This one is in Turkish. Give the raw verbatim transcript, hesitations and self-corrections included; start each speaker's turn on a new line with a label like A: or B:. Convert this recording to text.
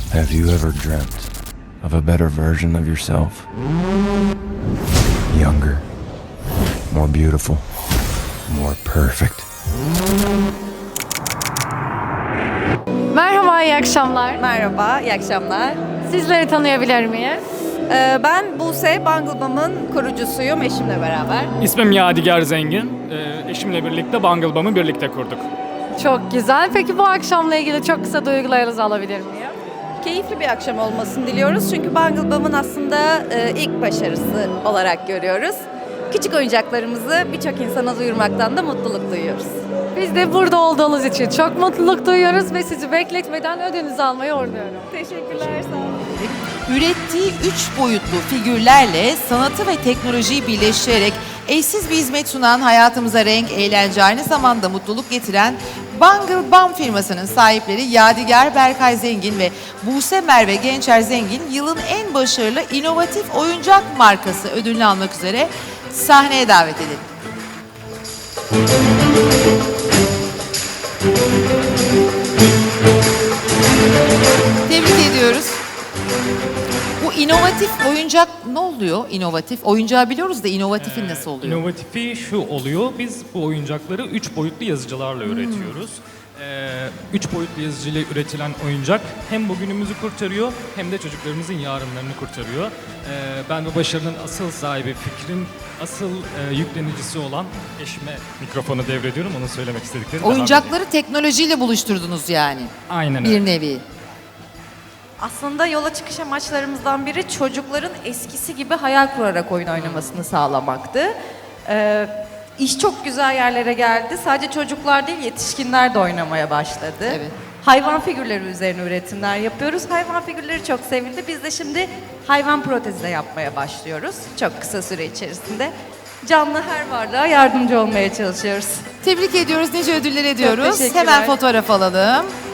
A: Have you ever dreamt of a better version of yourself? Younger, more beautiful, more perfect.
B: Merhaba, iyi akşamlar.
C: Merhaba, iyi akşamlar.
B: Sizleri tanıyabilir miyiz?
C: Ee, ben Buse, Bungle Bum'un kurucusuyum eşimle beraber.
D: İsmim Yadigar Zengin. Ee, eşimle birlikte Bungle Bum'u birlikte kurduk.
B: Çok güzel. Peki bu akşamla ilgili çok kısa duygularınızı alabilir miyim?
C: Keyifli bir akşam olmasını diliyoruz çünkü Bungle Bum'un aslında e, ilk başarısı olarak görüyoruz. Küçük oyuncaklarımızı birçok insana duyurmaktan da mutluluk duyuyoruz.
B: Biz de burada olduğunuz için çok mutluluk duyuyoruz ve sizi bekletmeden ödünüzü almayı uğurluyorum.
C: Teşekkürler, sağ olun.
E: Ürettiği üç boyutlu figürlerle sanatı ve teknolojiyi birleştirerek eşsiz bir hizmet sunan, hayatımıza renk, eğlence, aynı zamanda mutluluk getiren Bungle Bum firmasının sahipleri Yadigar Berkay Zengin ve Buse Merve Gençer Zengin yılın en başarılı inovatif oyuncak markası ödülünü almak üzere sahneye davet edelim. Tebrik ediyoruz. Bu inovatif oyuncak ne oluyor? İnovatif. Oyuncağı biliyoruz da inovatifi nasıl oluyor?
D: İnovatifi şu oluyor, biz bu oyuncakları üç boyutlu yazıcılarla üretiyoruz. Ee, üç boyutlu yazıcıyla üretilen oyuncak hem bugünümüzü kurtarıyor hem de çocuklarımızın yarınlarını kurtarıyor. Ee, ben bu başarının asıl sahibi, fikrin asıl e, yüklenicisi olan eşime mikrofonu devrediyorum. Onu söylemek istediklerim. devam
E: Oyuncakları teknolojiyle buluşturdunuz yani.
D: edeyim. Aynen öyle.
E: Bir nevi.
C: Aslında yola çıkış amaçlarımızdan biri çocukların eskisi gibi hayal kurarak oyun oynamasını sağlamaktı. Ee, iş çok güzel yerlere geldi. Sadece çocuklar değil, yetişkinler de oynamaya başladı.
E: Evet.
C: Hayvan figürleri üzerine üretimler yapıyoruz. Hayvan figürleri çok sevildi. Biz de şimdi hayvan protezi de yapmaya başlıyoruz. Çok kısa süre içerisinde. Canlı her varlığa yardımcı olmaya çalışıyoruz.
E: Tebrik ediyoruz. Nice ödüller ediyoruz.
C: teşekkürler.
E: Hemen fotoğraf alalım.